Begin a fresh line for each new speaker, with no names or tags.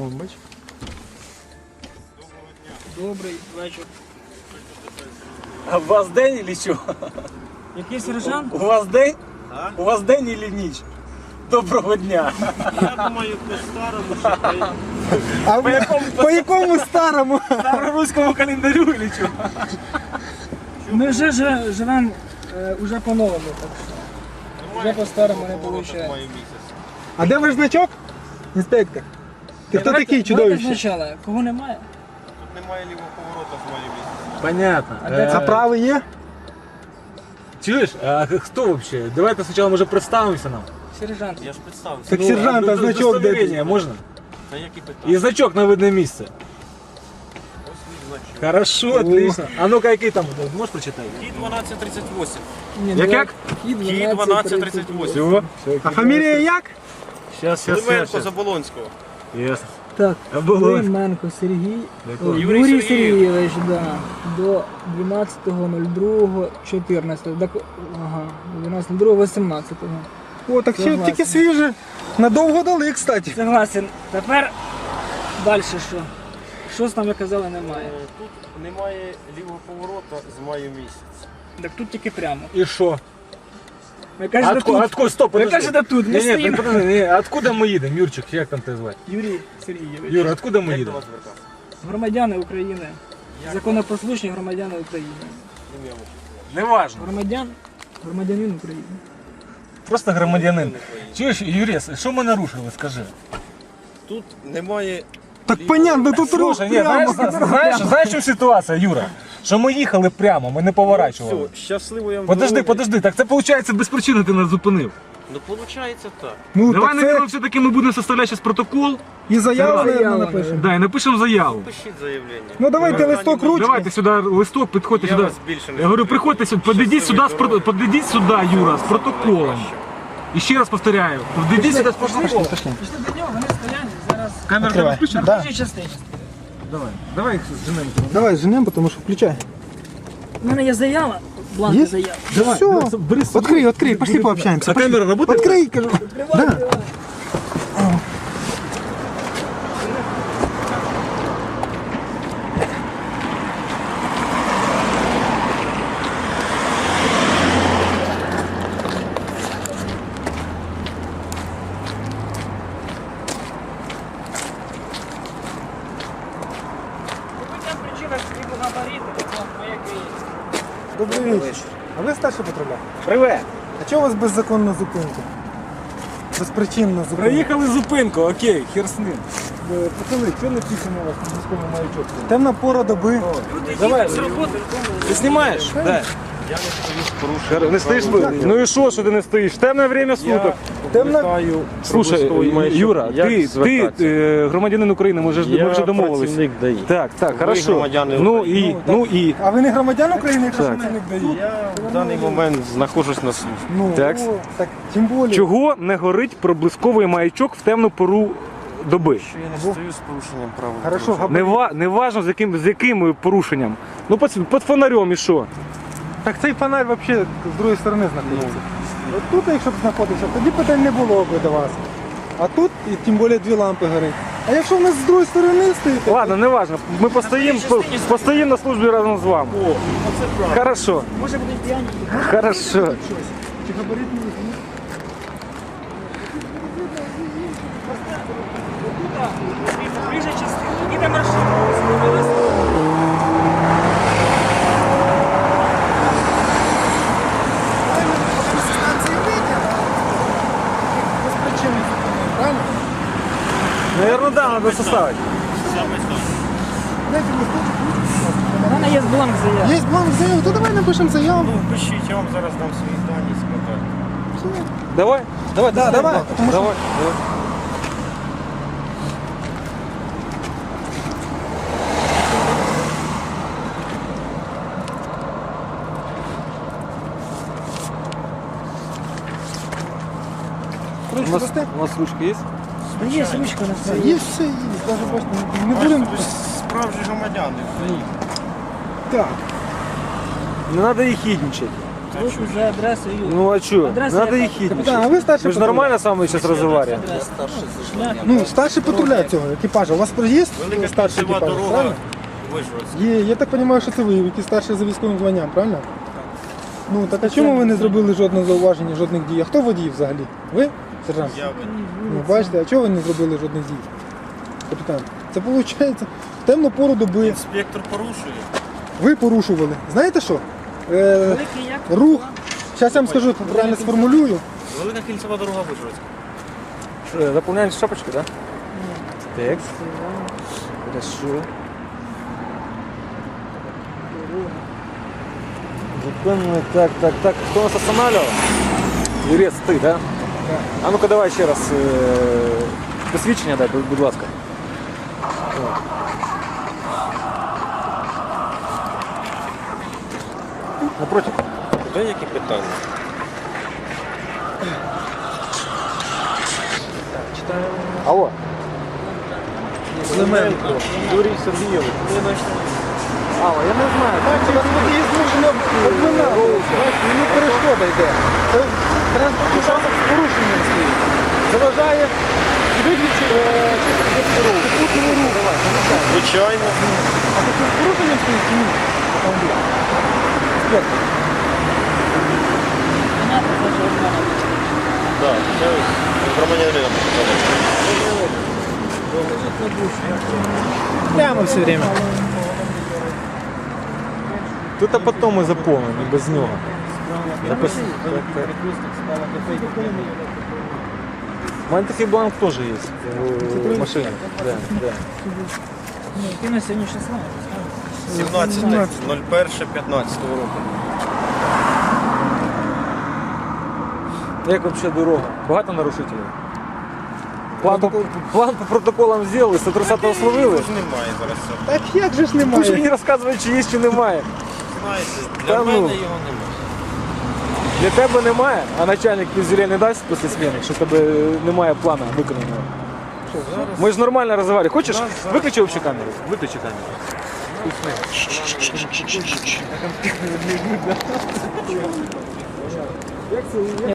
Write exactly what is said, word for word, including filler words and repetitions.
О, бач.
Добрий вечір.
А у вас день или що?
Який сержант?
У вас день? А? У вас день или ніч? Доброго дня.
Я думаю, по-старому, що
А по якому, по якому старому?
Староруському календарю или що?
Ми вже жи- живемо е, уже по-новому, так що вже по-старому не виходить.
маю місяць.
А де ваш значок? Інспектор. Ти хто такий чудовище?
Спочатку, кого немає?
Тут немає лівого поворота в маю місяць.
Понятно.
А де
А правий є?
Чуєш? А хто вообще? Давайте спочатку може представимося нам.
Сержант.
Я ж представився.
Так сержант, а значок де?
Удостоверення можна?
Та які питання?
І значок на видне місце.
Ось мій значок.
Хорошо, отлично. А ну-ка, який там? Можеш прочитати?
Кі дванадцять тридцять вісім.
Ні,
Як
два-
як?
Кі
Кі дванадцять тридцять вісім.
Все.
А фамілія як?
Сейчас, сейчас,
Клименко
сейчас.
Заболонського.
Ясно.
Так,
Оболонськ.
Клименко Сергій. О,
Юрій
Юрій
Сергійович.
Сергійович, да. До дванадцятого другого чотирнадцятого. Так, ага, дванадцятого другого вісімнадцятого.
О, так ще
Согласен.
тільки свіже. Надовго дали, кстати.
Согласен. Тепер далі що? Що там ви казали, немає.
Е, Тут немає лівого поворота з маю місяць.
Так тут тільки прямо.
І що?
Ви кажете
Откуда,
тут.
откуда, стоп,
Ви
подожди.
кажете тут, ми
Ні, ні,
стоїмо.
подожди, ні, откуда ми їдемо, Юрчик, як там тебе звати?
Юрій Сергійович.
Юра, откуда ми
Як до
їдемо?
вас звертатися?
Громадяни України. Законопослушні громадяни України.
Ім'я ваше.
Неважно.
Громадян, громадянин України.
Просто громадянин. Чуєш, Юріс, що ми нарушили, скажи?
Тут немає.
Так понятно, тут рух
Слушай, ні, знаєш,
прямо.
знаєш, знаєш, що ситуація, Юра? Що ми їхали прямо, ми не поворачували.
Все, щасливо я вам
Подожди,
дороги.
подожди, так це виходить без причини ти нас зупинив.
Ну, виходить так.
Ну,
Давай,
так це
наверное, все-таки ми будемо составляти зараз протокол.
і заяву,
Заяву,
наверное,
наверное.
напишемо.
Да, і напишемо заяву.
Пишіть заявлення.
Ну, давайте
Питання
листок
немає.
ручки.
Давайте сюди листок, підходьте
Я
сюди.
вас більше не
Я говорю,
зупиню.
приходьте сюди, подійдіть сюди, з
Щасливої
про- подійдіть сюди, Юра, з протоколом. І ще раз повторяю, подійдіть сюди з протоколом.
Пішли до нього, вони стоять зараз.
Камера
Відкривай.
тебе включена?
Да.
На кожній частині.
Давай, давай їх зженемо.
Давай, женемо, тому що включай.
У мене є заява, бланк
Є?
заяви.
Давай. Все, открий, открий, пошли пообщаемся.
А камера работает?
Открий, кажу. Да.
По причинах стрібу габарити, пояки.
Добрий вечір. А ви старший патруля?
Привет.
А чого у вас беззаконна зупинка? Безпричинна зупинка.
Проїхали зупинку, окей, хер з ним.
Е, Пацани, що написано у вас на міському маячок? Темна пора доби.
Люди
Давай.
їдуть з роботи додому.
Ти знімаєш? Да.
Я не стою з порушенням.
Не стоїш? Ну і що, що ти не стоїш? Темне время суток.
Темна...
Слушай, Юра, ти, ти е, громадянин України, ми вже, ми вже домовились.
ДАІ.
Так, так, хорошо.
громадяни
Ну
України.
і, ну і.
А ви не громадян України, якщо
Так.
працівник ДАІ?
Я в даний момент знаходжусь на службі.
Ну,
Так.
о, так, тим більше.
Чого не горить проблисковий маячок в темну пору доби?
Що я не стою з порушенням правил.
Хорошо,
дорожнього
Не, ва, не важно, з яким, з яким порушенням. Ну, під, під фонарем і що?
Так цей фонарь взагалі з другої сторони знаходиться. От тут, якщо б знаходився, тоді питань не було б до вас. А тут, і тим більше, дві лампи горять. А якщо в нас з другої сторони стоїть,
Ладно, не важно. Ми постоїмо, по- постоїмо на службі разом з вами.
О, оце правда.
Хорошо,
Може бути п'яні.
хорошо.
чи габарит не візьмуть?
Ближче частина. Їде маршрут.
Наверное, да, надо составить.
Дайте листочок, ручку.
У мене є бланк заяви.
Є бланк заяви, то давай напишемо заяву.
Ну, пишіть, я вам зараз дам свої дані з контакту.
Давай, давай,
Да, давай, тому що-
давай, давай.
Ручку дасте?
У нас ручка есть?
Є ручка на
Є
столі.
все, є. Навіть бачите, не
Бачите,
будемо.
ви справжні громадяни.
Так.
Не надо їхідничати.
Руку за адресою.
Ну а что?
Адреса
Надо
яка?
их хитить.
Капітан, а ви старший
Мы же
патруль?
нормально с вами сейчас разговариваем.
Шлях.
Ну, старший патруля цього екіпажа. У вас є
Велика
старший
кільцева
екіпаж,
дорога
правильно?
Вижгородська.
Є, я так розумію, що це ви, які старші за військовим званням, правильно? Ну, так а чому ви не зробили жодного зауваження, жодних дій? А хто водій взагалі? Ви, сержант?
Я ви-
Ну, бачите, а чого ви не зробили жодних дій? Капітан, це виходить, в темну пору доби
Інспектор порушує.
ви порушували. Знаєте що? Е,
Великий як?
рух, зараз я вам скажу, правильно сформулюю.
Велика кільцева дорога Вижгородська.
Э, Заполняем шапочку, да? Так. Хорошо. Законно. Так, так, так. Кто нас останавливал? Юрець, ти, да? А ну-ка давай ще раз е, посвідчення дай, будь ласка. Напротив.
Куди які питання?
Алло.
Клименко.
Юрій Сергійович. Алло, я не знаю.
Бачите, у вас водій змушено обминати. Бачите, йому перешкода йде. Це транспортний засіб з порушенням стоїть. Заважає виключити попутного руху.
Звичайно.
А тут з порушенням стоїть чи ні? Автомобіль. Інспектор.
Понятно, це ж одна.
Так, це громадянин.
Прямо все время.
Тут а потом ми заповнимо, і без нього. Запис... У мене такий бланк теж є в машині. Да, да.
Ні, ти на сьогодні шістнадцять.
сімнадцяте ноль перше п'ятнадцятого року.
Як взагалі дорога? Багато нарушителів? План по, план по протоколам зробили, сто тридцятого словили.
Ж немає зараз цього.
Так як же ж
Ви ж
немає?
мені розказують, чи є, чи немає.
Знаєте,
Та
для
ну.
мене його немає.
Для тебе немає, а начальник пізелі не дасть після зміни, що в тебе немає плану виконаного. Ми ж нормально розмовляємо. Хочеш? Виключи взагалі камеру. Виключи камеру.